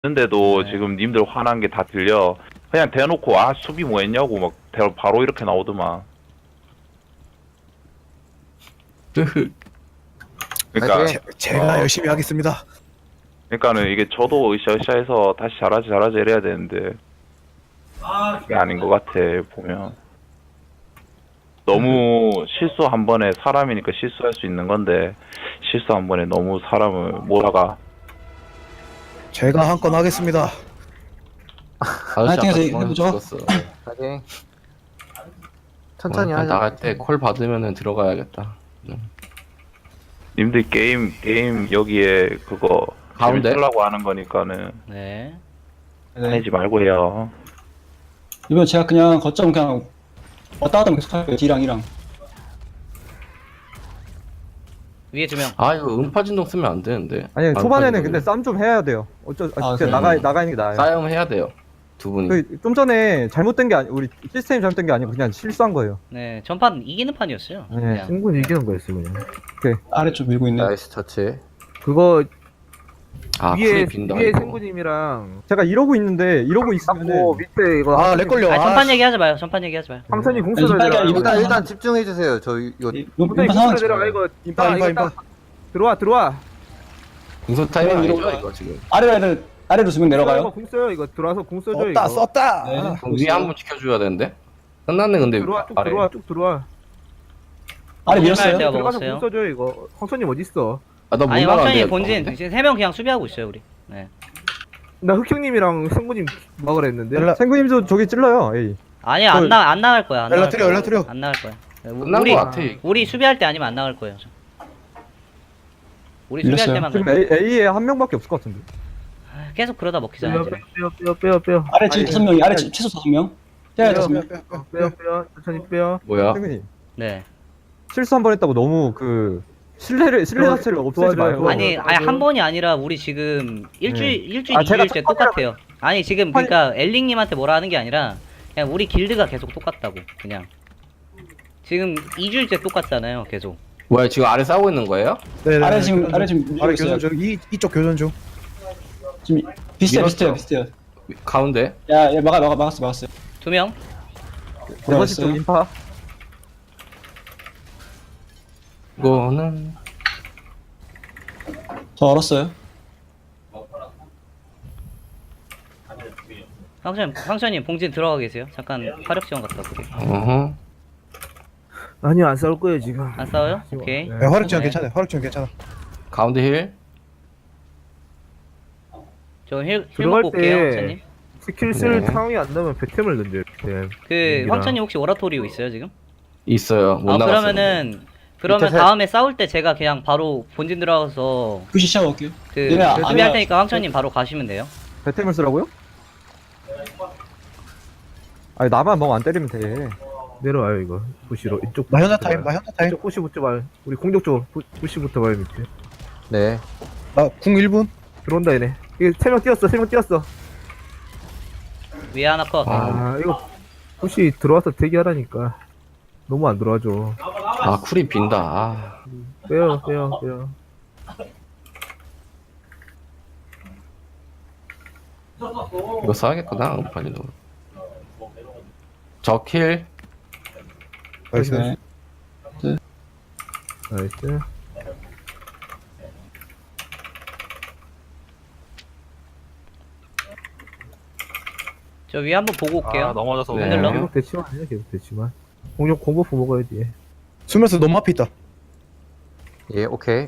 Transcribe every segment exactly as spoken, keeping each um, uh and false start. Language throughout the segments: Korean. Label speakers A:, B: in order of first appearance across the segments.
A: 근데도
B: 네.
A: 지금 님들 화난 게 다 들려. 그냥 대놓고 아 수비 뭐 했냐고 막 대- 바로 이렇게 나오더만. 그러니까
C: 제, 제가
A: 어.
C: 열심히 하겠습니다.
A: 그러니까는 이게 저도 으쌰으쌰해서 다시 잘하지 잘하지 이래야 되는데 그게 아닌 것 같아 보면. 너무 실수 한 번에 사람이니까 실수할 수 있는 건데 실수 한 번에 너무 사람을 몰아가.
C: 제가 한 건 하겠습니다.
B: 아저씨 아까
D: 파이팅해서
B: 중앙에서
D: 해보죠.
B: 죽었어.
E: 하긴 천천히
B: 오늘
E: 하자.
B: 나갈 때 콜 받으면은 들어가야겠다.
A: 님들 게임 게임 여기에 그거
B: 가운데?
A: 재밌으려고 하는 거니까는
F: 네.
D: 네.
A: 하지 말고 해요.
D: 이번 제가 그냥 거점 그냥 왔다 갔다 계속 할게요. D랑 E랑.
F: 위에 두 명.
B: 아 이거 음파 진동 쓰면 안 되는데.
G: 아니
B: 아,
G: 초반에는
B: 음파
G: 근데
B: 진동.
G: 싸움 좀 해야 돼요. 어쩌 아,
D: 아,
G: 진짜
D: 그래요?
G: 나가 나가 있는 게 나아요.
B: 싸움 해야 돼요. 두 분이.
G: 그 좀 전에 잘못된 게 아니 우리 시스템이 잘못된 게 아니고 그냥 실수한 거예요.
F: 네, 전판 이기는 판이었어요.
G: 네,
F: 그냥.
H: 승부는 이기는 거였어 그냥.
D: 아래쪽 밀고 있네.
E: 나이스 터치.
H: 그거
B: 아
H: 위에
B: 풀이 빈다.
H: 위에
B: 이거.
H: 생구님이랑
G: 제가 이러고 있는데 이러고
H: 잡고
G: 있으면은
H: 밑에 이거
C: 아, 렉 걸려.
F: 아,
C: 아,
F: 전판 얘기하지 마요. 전판 얘기하지 마요.
H: 황선이
D: 아니,
H: 공수를
D: 빨리
H: 내려가.
D: 이거
E: 일단
D: 다-
E: 일단 집중해 주세요. 저 이거
D: 이-
H: 황선이
D: 이거 상황
H: 공수를 내려가 이거
C: 인파,
H: 딱,
C: 인파,
H: 이거 딱
C: 인파.
H: 들어와 들어와.
B: 공소 타이밍
D: 위로
B: 아니죠
D: 올라가.
B: 이거 지금.
D: 아래로 애들 아래로 두 명
H: 이거
D: 내려가요.
H: 공 써요 이거 들어와서 공 써줘
C: 썼다
H: 이거.
C: 썼다.
D: 네.
C: 아,
B: 그럼 위에 한 번 지켜줘야 되는데. 끝났네 근데
H: 들어와 쭉
B: 아래.
H: 들어와 쭉 들어와.
D: 아래
F: 할
D: 밀었어요.
F: 때가
H: 들어가서
F: 먹었어요.
H: 공 써줘 이거. 황선님 어디 있어?
B: 아나못
F: 아니,
B: 나가는데.
F: 황천이 본진 지금 세 명 그냥 수비하고 있어요, 우리. 네.
H: 나 흑형님이랑 승구님 막으라 했는데.
C: 연락-
G: 생구님도 저기 찔러요. 에이.
F: 아니, 안 나, 안 나갈 거야. 안 나갈
C: 연락드려,
F: 거야.
C: 연락드려.
F: 안 나갈 거야. 네, 우-
B: 끝난
F: 우리,
B: 거 같아. 이거.
F: 우리 수비할 때 아니면 안 나갈 거예요. 저. 우리 수비할
D: 밀렸어요.
F: 때만 갈
G: 지금
F: 거예요.
G: A, A에 한 명밖에 없을 것 같은데.
F: 계속 그러다 먹히잖아요,
H: 빼요
F: 지금.
H: 빼요 빼요 빼요 빼요.
D: 아래 지금 다섯 명이 아래 지- 최소 다섯 명. 해야
H: 빼요.
D: 다섯 명.
C: 빼, 빼, 빼.
H: 빼요 빼요 천천히 빼요.
B: 뭐야?
G: 생구님
F: 네.
G: 실수 한 번 했다고 너무 그 신뢰를 신뢰
H: 도와-
G: 자체를 없애지
H: 도와줘요,
G: 마요.
H: 도와줘요.
F: 아니, 아니, 한 번이 아니라 우리 지금 일주일, 일주일,
G: 아, 제가
F: 이주일째 똑같아요. 아니, 지금 그러니까 엘링님한테 뭐라 하는 게 아니라 그냥 우리 길드가 계속 똑같다고, 그냥. 지금 이 주일째 똑같잖아요, 계속.
B: 뭐야 지금 아래 싸우고 있는 거예요?
C: 네, 네,
D: 아래
C: 네,
D: 지금
C: 교전
D: 아래
C: 중.
D: 지금 밀고
C: 아래
D: 있어요.
C: 교전 중. 이 이쪽 교전 중.
D: 지금 비슷해
B: 밀었죠?
D: 비슷해요 비슷해요.
B: 가운데.
D: 야, 얘 막아 막아 막았어 막았어요.
F: 두 명.
G: 네 번째 쪽 인파.
B: 이거는
D: 저 얼었어요.
F: 황천, 황천님 봉진 들어가 계세요. 잠깐 화력 지원 갔다 올게요.
B: 어허.
H: 아니요 안 싸울 거예요 지금.
F: 안 싸워요? 오케이.
H: 네.
C: 네, 화력 지원
F: 네.
C: 괜찮아요. 화력 지원 괜찮아.
B: 가운데 힐.
F: 저 힐, 힐
H: 들어갈
F: 먹고 올게요,
H: 때
F: 황천님.
H: 스킬 쓸
B: 네.
H: 상황이 안 나면 백템을 던져요. 백템.
F: 그
H: 여기랑.
F: 황천님 혹시 오라토리오 있어요 지금?
B: 있어요. 못
F: 아
B: 나갔어요.
F: 그러면은 그러면
E: 밑에 셋.
F: 다음에 싸울 때 제가 그냥 바로 본진 들어가서
D: 푸시 시작 올게요.
F: 그
D: 얘네 아-
F: 수비할
D: 아니야.
F: 테니까 황천님 바로 가시면 돼요.
G: 배템을 쓰라고요? 아니 나만 멍 안 때리면 돼.
H: 내려와요 이거. 부시로 이쪽.
C: 나 현타
H: 부시부터
C: 타임. 나
H: 봐요.
C: 현타 타임.
H: 이쪽 부시부터 봐요. 우리 공격 쪽 부- 부시부터 봐요 밑에.
E: 네.
C: 나궁 일 분.
H: 들어온다 얘네. 이게 세 명 뛰었어. 세 명 뛰었어.
F: 위에 하나 컷.
B: 아.
H: 아 이거 부시 들어와서 대기하라니까. 너무 안 들어와줘.
B: 아 쿨이 빈다. 아.
H: 빼요 빼요 빼요.
B: 이거 써야겠구나 음판이도. 적힐.
C: 나이스.
D: 네.
H: 나이스.
F: 저 위에 한번 보고 올게요.
I: 아 넘어져서
B: 네.
F: 흔들러?
H: 계속 대치만 해요 계속 대치만. 공격 공버프 먹어야지.
C: 수면서 너무 앞에 있다.
E: 예 오케이.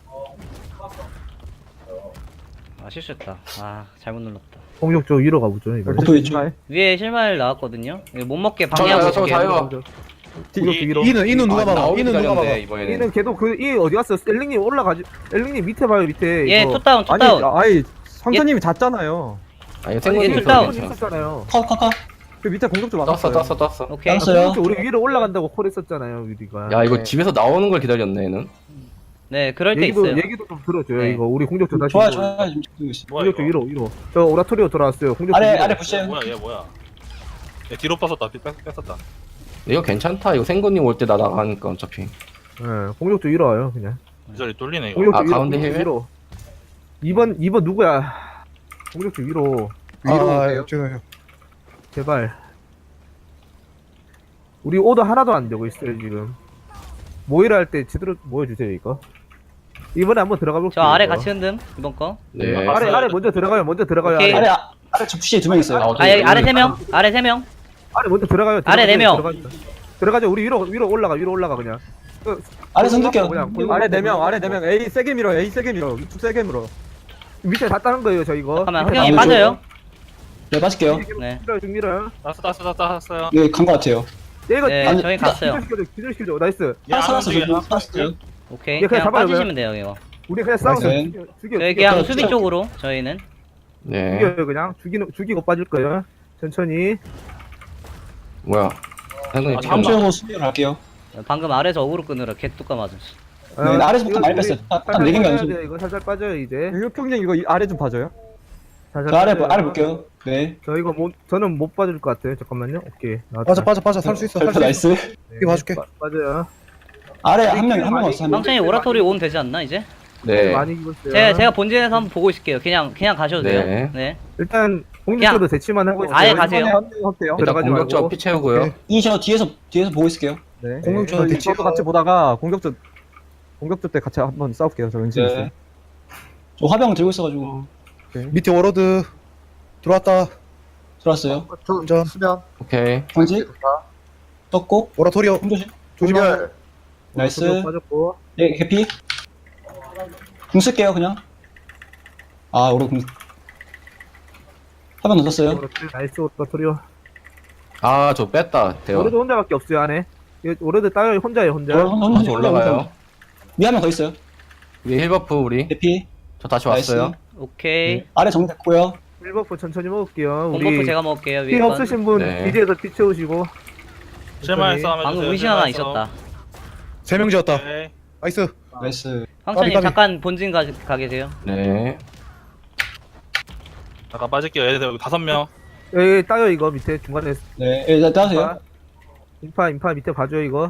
F: 아 실수했다. 아 잘못 눌렀다.
H: 공격 쪽 위로 가보죠 이거.
D: 버프 위쪽.
F: 위에 실마일 나왔거든요. 이거 못 먹게
B: 저요
F: 방해하고
B: 저
F: 있을게요.
B: 자요.
H: 공격 쪽 위로.
C: 이는 이는 누가
B: 아,
C: 막아?
B: 나오기
C: 이는 누가
B: 기다렸네,
C: 막아?
B: 이번에는.
H: 이는 걔도 그 이 어디 갔어? 엘링님 올라가지. 엘링님 밑에 봐요 밑에.
F: 얘
H: 이거.
F: 투다운
G: 아니
F: 투다운.
G: 아이 황천님이 잤잖아요.
B: 아니
F: 얘
B: 생각이
F: tus다운.
B: 있어.
H: 있었잖아요.
D: 컷 컷 컷.
G: 그 밑에 공격 좀
B: 떴어
G: 막았어요.
B: 떴어 떴어.
F: 오케이.
D: 알았어요.
H: 공격 쪽 우리 위로 올라간다고 콜했었잖아요 우리가.
B: 야 이거
E: 네.
B: 집에서 나오는 걸 기다렸네 얘는.
F: 네 그럴 때
H: 얘기도
F: 있어요.
H: 얘기도 좀 들어줘요
F: 네.
H: 이거. 우리 공격 쪽 다시.
D: 좋아요
H: 위로.
D: 좋아요 지금 찍고 있어.
I: 뭐야
H: 공격 쪽
I: 이거
H: 위로 위로. 저 오라토리오 돌아왔어요. 공격 쪽
D: 아래
H: 위로.
D: 아래 푸시해요.
I: 뭐야 얘 뭐야 얘 뒤로 빠졌다 뒤 뺐, 뺐었다
B: 이거 괜찮다. 이거 생건님 올 때 나 나가니까 어차피.
H: 예, 공격 쪽 위로 와요 그냥.
I: 이 자리 뚫리네 이거
H: 공격
B: 아,
H: 쪽 위로.
B: 가운데
H: 공격 쪽
B: 힐?
H: 위로. 이 번 이 번 누구야? 공격수 위로
C: 위로 아,
E: 오세요?
C: 죄송해요.
H: 제발. 우리 오더 하나도 안 되고 있어요 지금. 모이라 할 때 제대로 모여주세요 이거. 이번에 한번 들어가 볼게요.
F: 저 아래
H: 이거.
F: 같이 흔듦 이번 거.
B: 네.
H: 아래 아래 먼저 들어가요. 먼저 들어가요.
F: 오케이.
H: 아래,
D: 아래 아- 아래 저 푸시에 두 명 있어요.
B: 아,
F: 아 여기 아래 세 명. 아래 세 명.
H: 아래 먼저 들어가요.
F: 아래 네 명.
H: 들어가죠. 들어가죠. 우리 위로 위로 올라가 위로 올라가 그냥. 그,
D: 아래 손들게요.
H: 그냥 골-
G: 아래 네 명, 아래 네 명. A 세게 밀어, A 세게 밀어. 쭉 세게 밀어.
H: 밑에 다 따는 거예요 저 이거.
F: 잠깐만
H: 밑에
F: 흑영이
H: 다
F: 빠져요.
D: 네, 빠질게요.
F: 네.
H: 밀어요 쭉 밀어요.
I: 따스 따스 따스 따스요.
D: 예, 간 것 같아요.
H: 얘 이거
F: 네
D: 아니,
F: 저희 갔어요.
H: 기절시켜줘 기절시켜줘. 나이스.
I: 야,
D: 살았어,
I: 안 움직여,
D: 저기.
I: 안
D: 살았어요.
I: 움직여.
F: 오케이.
H: 얘 그냥
F: 그냥
H: 잡아요,
F: 빠지시면 돼요 이거.
H: 우리 그냥 싸워서
D: 나이스.
H: 죽여 죽여
F: 저희
H: 죽여,
F: 그냥
D: 저-
F: 수비
D: 저-
F: 쪽으로 저희는.
B: 네.
H: 죽여요 그냥 죽이는 죽이고 빠질 거예요. 천천히.
B: 뭐야? 생근님
I: 아,
B: 튀었나?
D: 함수하고 수비로 갈게요.
F: 방금 아래서 어그로 끄느라 개뚜까 맞았어.
H: 아,
D: 네, 아래서부터
H: 이거
D: 많이
H: 우리
D: 뺐어요. 딱- 딱
H: 살살
D: 네 개인가
H: 빠져야
D: 연습.
H: 돼요, 이거 살살 빠져요 이제.
G: 혁형님 이거 이 아래 좀 봐줘요.
H: 살살
D: 저 아래,
H: 빠져요.
D: 아래 볼게요. 네.
H: 저 이거 못 저는 못 빠질 것 같아요. 잠깐만요. 오케이. 나왔다.
C: 빠져 빠져 빠져 살 수 있어. 살 수 있어.
D: 나이스.
H: 네,
C: 이거 봐줄게.
H: 빠, 빠져요.
D: 아래 한 명, 한 명 왔어, 한 명.
F: 황천이 오라토리 온 되지 않나 이제?
B: 네.
H: 많이 입었어요.
F: 제가 제가 본진에서 한번 보고 있을게요. 그냥 그냥 가셔도 돼요.
B: 네.
F: 네.
H: 일단 공격수도 대치만 하고 있어요.
F: 아예 가세요.
G: 한명 할게요.
B: 일단
H: 들어가지
B: 공격적
H: 말고.
B: 피 채우고요.
C: 오케이.
D: 이 저 뒤에서, 뒤에서 보고 있을게요.
G: 네.
C: 공격조
G: 저희
C: 대치.
G: 저도 같이 보다가 공격조 공격조 때 같이 한번 싸울게요. 저 은진 있어요.
D: 저 화병 들고 있어가지고.
C: 밑에 워러드 들어왔다.
D: 들어왔어요.
E: 저
C: 운전.
E: 수면.
B: 오케이.
D: 광지. 떴고.
C: 오라토리오
D: 공조심.
C: 조심하세요.
E: 공절.
D: 나이스.
H: 공격 빠졌고.
D: 네, 개피. 궁 쓸게요, 그냥. 아, 오래 궁. 화병 넣었어요.
H: 그렇지. 나이스 오라토리오.
B: 아, 저 뺐다. 대요.
H: 오레드 혼자밖에 없어요 안에. 이거 오레드 따요 혼자예요 혼자.
B: 다시 올라가요.
D: 위에 한 명 더 있어요.
B: 위에 힐버프 우리.
D: 개피.
B: 저 다시
D: 나이스.
B: 왔어요.
F: 오케이.
D: 아래 정됐고요.
H: 일버프 천천히 먹을게요.
F: 공버프
H: 우리
F: 제가 먹을게요.
H: 피
F: 위에 건.
H: 없으신 분
B: 네.
H: 이제서 피 채우시고.
I: 실마리 싸움 해주세요.
F: 방금 의심 하나
I: 실마리 싸움.
F: 있었다.
C: 세 명 지었다.
I: 오케이.
C: 나이스.
D: 나이스.
F: 황천님
C: 까비, 까비.
F: 잠깐 본진 가, 가 계세요.
B: 네.
I: 잠깐 빠질게요. 얘들 여기 다섯 명.
H: 예, 따요 이거 밑에 중간에.
D: 네, 예, 따세요.
H: 인파. 인파 인파 밑에 봐줘요 이거.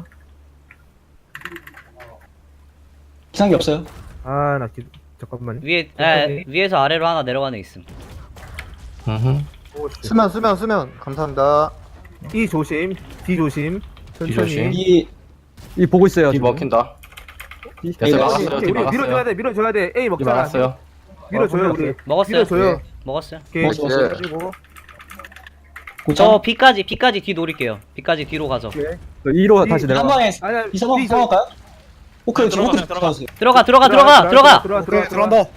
D: 이상한 게 없어요.
H: 아 나 기... 잠깐만.
F: 위에 에,
H: 천천히.
F: 위에서 아래로 하나 내려가는 애 있음.
B: 음흠.
C: 수면 수면 수면 감사합니다.
H: E 조심, D 조심. 천천히.
B: 조심.
D: 이,
G: 이 보고 있어요.
B: 뒤
G: 지금.
B: 먹힌다.
D: 이,
B: 됐어요.
D: 네,
B: 막았어요.
H: 우리
B: 뒤
H: 우리 밀어줘야
B: 막았어요.
H: 돼, 밀어줘야 돼. A
B: 뒤
H: 먹잖아.
B: 막았어요.
H: 밀어줘요
G: 어,
H: 우리.
F: 먹었어요.
H: 밀어줘요.
F: 먹었어요.
H: 오케이.
D: 먹었어, 먹었어.
H: 가지고.
F: 저
D: 고점.
F: B까지 B까지 뒤 노릴게요. B까지 뒤로 가서.
G: 저 E로
H: 이-
G: 다시
D: 한
G: 내려가.
D: 방에
H: 아니야.
D: 이 상황
H: B
D: 상황할까요? 오케이, 저
I: 들어가,
D: 호크
I: 들어가.
D: 들어가세요.
F: 들어가 들어가 들어가 들어가.
H: 들어가
C: 오케이
H: 들어가.
C: 들어간다.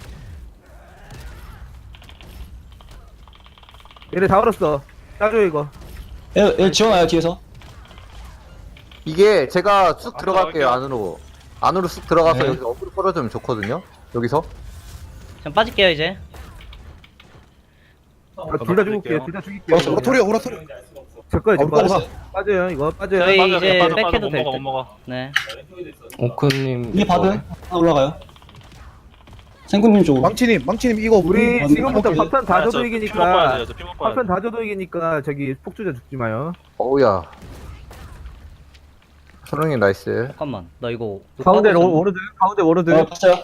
H: 얘네 다 얼었어. 따줘 이거.
D: 예, 예, 지원와요, 뒤에서.
E: 이게 제가 쑥
I: 아,
E: 들어갈게요
I: 들어갈게요.
E: 안으로. 안으로 쑥 들어가서
B: 네.
E: 여기서 어그로 끌어주면 좋거든요. 여기서.
F: 전 빠질게요 이제.
H: 아, 둘다 죽을게요. 둘 다 죽일게요.
C: 어, 오라토리오 오라토리오.
H: 제 거예요, 제
C: 어,
H: 거.
C: 먹어봐.
H: 빠져요 이거. 빠져요.
F: 저희
I: 빠져,
F: 이제
I: 빠져, 빠져.
F: 백해도
I: 못
F: 될
I: 먹어,
F: 듯.
I: 못 먹어.
F: 네.
B: 오크님.
D: 이게 바드. 하나 올라가요. 생군님 쪽으로.
C: 망치님 망치님 이거
H: 우리
D: 우리
H: 지금부터
D: 먹어요.
H: 파편 다
I: 아, 저
H: 줘도
I: 피 먹고
H: 이기니까.
I: 와야 돼요, 저피 먹고 와야
H: 파편 다 줘도 이기니까 저기 폭주자 죽지 마요.
E: 어우야. 선웅님 나이스.
F: 잠깐만. 나 이거
G: 가운데
F: 하고
G: 로,
F: 있었는데.
G: 워르드, 가운데 워르드.
D: 어, 봤어요.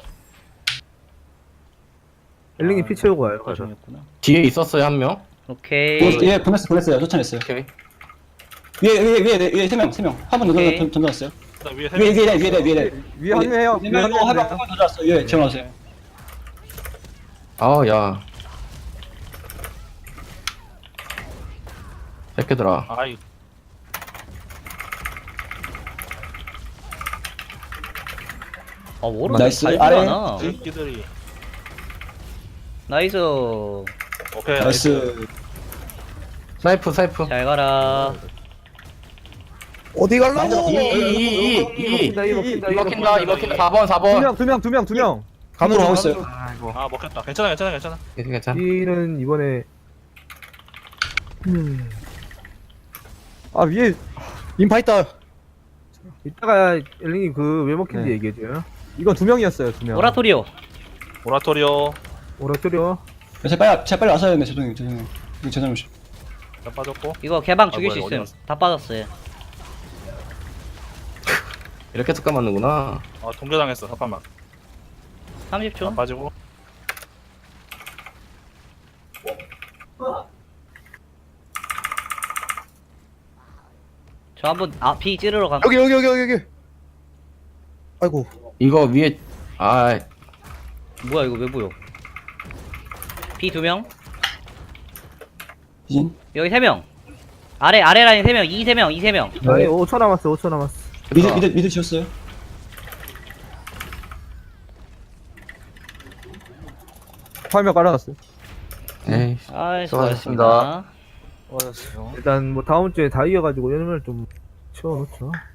H: 엘링이 피 채우고 와요.
F: 아, 중이었구나.
B: 뒤에 있었어요 한 명.
F: 오케이.
D: 예, 예, 보냈어요, 보냈어요. 쫓아냈어요.
B: 오케이.
D: 위에, 위에, 위에, 위에 세 명, 세 명. 한 번
F: 오케이.
D: 던- 던져놨어요.
I: 일단 위에 세
D: 위에,
I: 명.
D: 위에, 위에, 위에, 위에.
G: 위에 합류해요.
D: 네
G: 위에
D: 명, 이거
G: 합류해요.
D: 한번 던져놨어요. 위에, 지원하세요.
B: 아, 야. 새끼들아.
I: 아이,
F: 아 워로
D: 나이스.
F: 잘
D: 아래.
F: 들어가나.
I: 새끼들이.
F: 나이스.
I: 오케이, 나이스.
D: 나이스.
B: 사이프 사이프.
F: 잘 가라.
C: 어디 갈라고?
B: 이이이이
H: 먹힌다, 이 먹힌다, 이
B: 먹힌다 이 먹힌다 사 번 사
G: 두
B: 번.
G: 명, 두 명, 두 명, 두 명.
C: 간으로
D: 하고 있어요.
I: 아, 먹혔다. 괜찮아, 괜찮아, 괜찮아.
B: 괜찮아.
H: E는 이번에 음,
G: 아, 위에
C: 인파 있다.
H: 이따가 엘링이 그 왜 먹힌지
G: 네.
H: 얘기해줘요.
G: 이건 두 명이었어요, 두 명.
F: 오라토리오.
I: 오라토리오.
H: 오라토리오.
D: 제 빨리, 제 빨리 왔어야 했네. 죄송해요, 죄송해요. 이거 제 잘못이에요.
I: 자, 빠졌고.
F: 이거 개방 죽일
I: 아,
F: 수
I: 뭐야,
F: 있음.
I: 어디 갔어?
F: 다 빠졌어요.
B: 이렇게 습관 맞는구나.
I: 아, 동료당했어. 잠깐만.
F: 삼십 초.
I: 자, 빠지고.
F: 저 한번 아 B 찌르러 감.
C: 여기 여기 여기 여기 여기. 아이고.
B: 이거 위에 아
F: 뭐야 이거 왜 보여? B 두 명.
D: 이진.
F: 여기 세 명. 아래 아래 라인 세 명. 이 세 명. 이 세 명.
H: 아니 오 초 남았어 오 초 남았어.
D: 미드, 미드, 미드 지었어요.
G: 화면 깔아놨어요.
B: 에이
F: 아,
E: 수고하셨습니다.
F: 수고하셨습니다.
I: 수고하셨어요.
H: 일단 뭐 다음 주에 다 이어가지고 연말 좀 채워놓죠.